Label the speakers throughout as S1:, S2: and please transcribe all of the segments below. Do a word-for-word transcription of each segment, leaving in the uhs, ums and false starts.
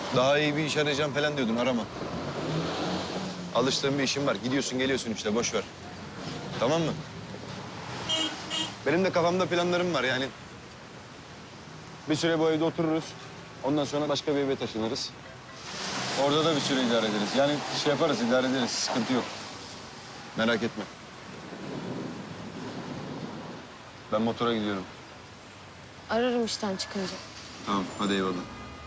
S1: Daha iyi bir iş arayacağım falan diyordun, arama. Alıştığın bir işin var. Gidiyorsun geliyorsun işte, boş ver. Tamam mı? Benim de kafamda planlarım var yani. Bir süre bu evde otururuz. Ondan sonra başka bir eve taşınırız. Orada da bir süre idare ederiz. Yani şey yaparız, idare ederiz. Sıkıntı yok. Merak etme. Ben motora gidiyorum.
S2: Ararım işten çıkınca.
S1: Tamam, hadi eyvallah.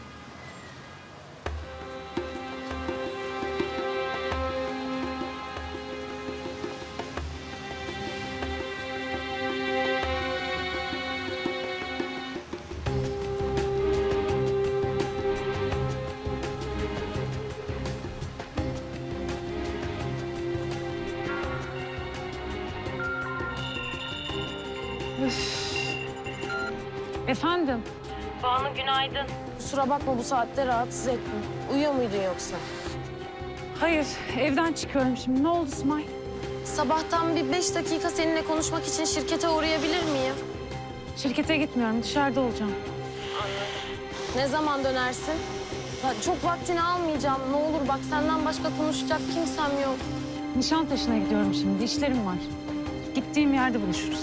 S3: Efendim?
S2: Banu günaydın. Kusura bakma bu saatte rahatsız ettim. Uyuyor muydun yoksa?
S3: Hayır, evden çıkıyorum şimdi. Ne oldu İsmail?
S2: Sabahtan bir beş dakika seninle konuşmak için şirkete uğrayabilir miyim?
S3: Şirkete gitmiyorum, dışarıda olacağım.
S2: Ne zaman dönersin? Ya çok vaktini almayacağım. Ne olur bak senden başka konuşacak kimsem yok.
S3: Nişantaşı'na gidiyorum şimdi, işlerim var. Gittiğim yerde buluşuruz.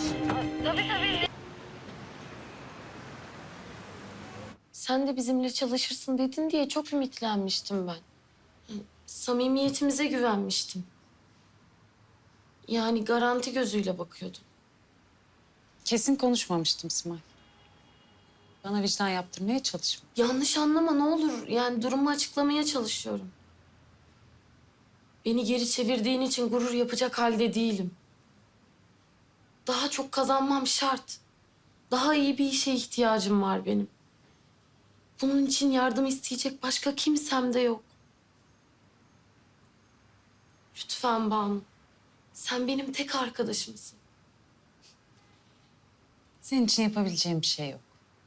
S2: Sen de bizimle çalışırsın dedin diye çok ümitlenmiştim ben. Samimiyetimize güvenmiştim. Yani garanti gözüyle bakıyordum.
S4: Kesin konuşmamıştım İsmail. Bana vicdan yaptırmaya çalışma.
S2: Yanlış anlama ne olur. Yani durumu açıklamaya çalışıyorum. Beni geri çevirdiğin için gurur yapacak halde değilim. Daha çok kazanmam şart. Daha iyi bir işe ihtiyacım var benim. Bunun için yardım isteyecek başka kimsem de yok. Lütfen Banu. Sen benim tek arkadaşımsın.
S4: Senin için yapabileceğim bir şey yok.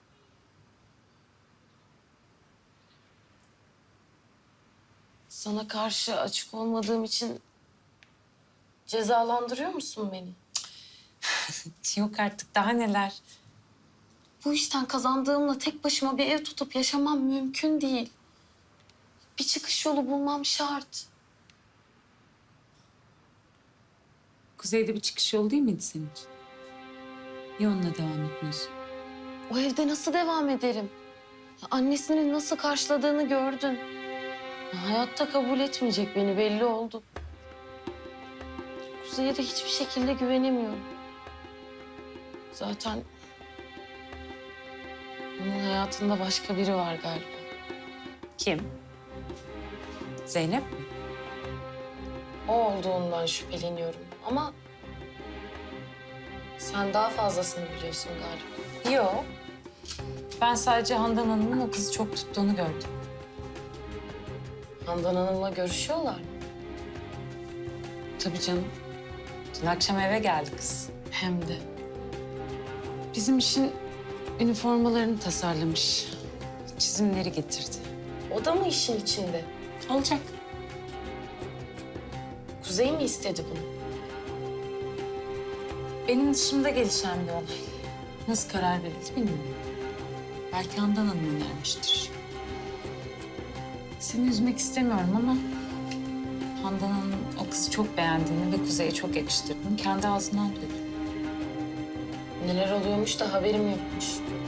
S2: Sana karşı açık olmadığım için cezalandırıyor musun beni?
S4: Yok artık, daha neler.
S2: Bu işten kazandığımla tek başıma bir ev tutup yaşamam mümkün değil. Bir çıkış yolu bulmam şart.
S4: Kuzey'de bir çıkış yolu değil miydi senin için? Niye onunla devam etmiyorsun?
S2: O evde nasıl devam ederim? Annesinin nasıl karşıladığını gördün. Hayatta kabul etmeyecek beni belli oldu. Kuzey'e de hiçbir şekilde güvenemiyorum. Zaten onun hayatında başka biri var galiba.
S4: Kim? Zeynep mi?
S2: O olduğundan şüpheleniyorum ama sen daha fazlasını biliyorsun galiba.
S4: Yok. Ben sadece Handan Hanım'ın o kızı çok tuttuğunu gördüm.
S2: Handan Hanım'la görüşüyorlar mı?
S4: Tabii canım. Dün akşam eve geldi kız.
S2: Hem de.
S4: Bizim işin üniformalarını tasarlamış. Çizimleri getirdi.
S2: O da mı işin içinde?
S4: Olacak.
S2: Kuzey mi istedi bunu?
S4: Benim dışımda gelişen bir olay. Nasıl karar verildi bilmiyorum. Belki Handan Hanım önermiştir. Seni üzmek istemiyorum ama Handan Hanım o kızı çok beğendiğini ve Kuzey'e çok yakıştırdığını kendi ağzından duydum.
S2: Neler oluyormuş da haberim yokmuş.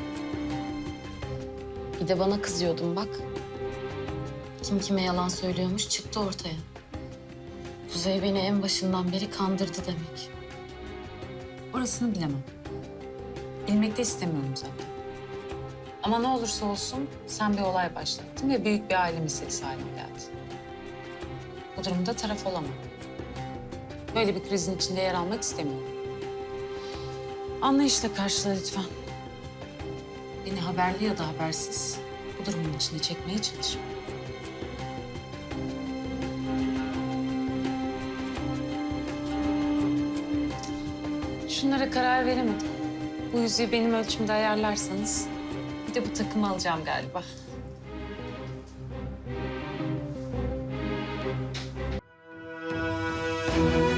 S2: Bir de bana kızıyordun bak. Kim kime yalan söylüyormuş çıktı ortaya. Kuzey beni en başından beri kandırdı demek.
S4: Orasını bilemem. Bilmek de istemiyorum zaten. Ama ne olursa olsun sen bir olay başlattın ve büyük bir aile meselesi haline geldi. Bu durumda taraf olamam. Böyle bir krizin içinde yer almak istemiyorum. Anlayışla karşıla lütfen. Beni haberli ya da habersiz bu durumun içine çekmeye çalışma. Şunlara karar veremedim. Bu yüzüğü benim ölçümde ayarlarsanız bir de bu takımı alacağım galiba.
S2: Thank you.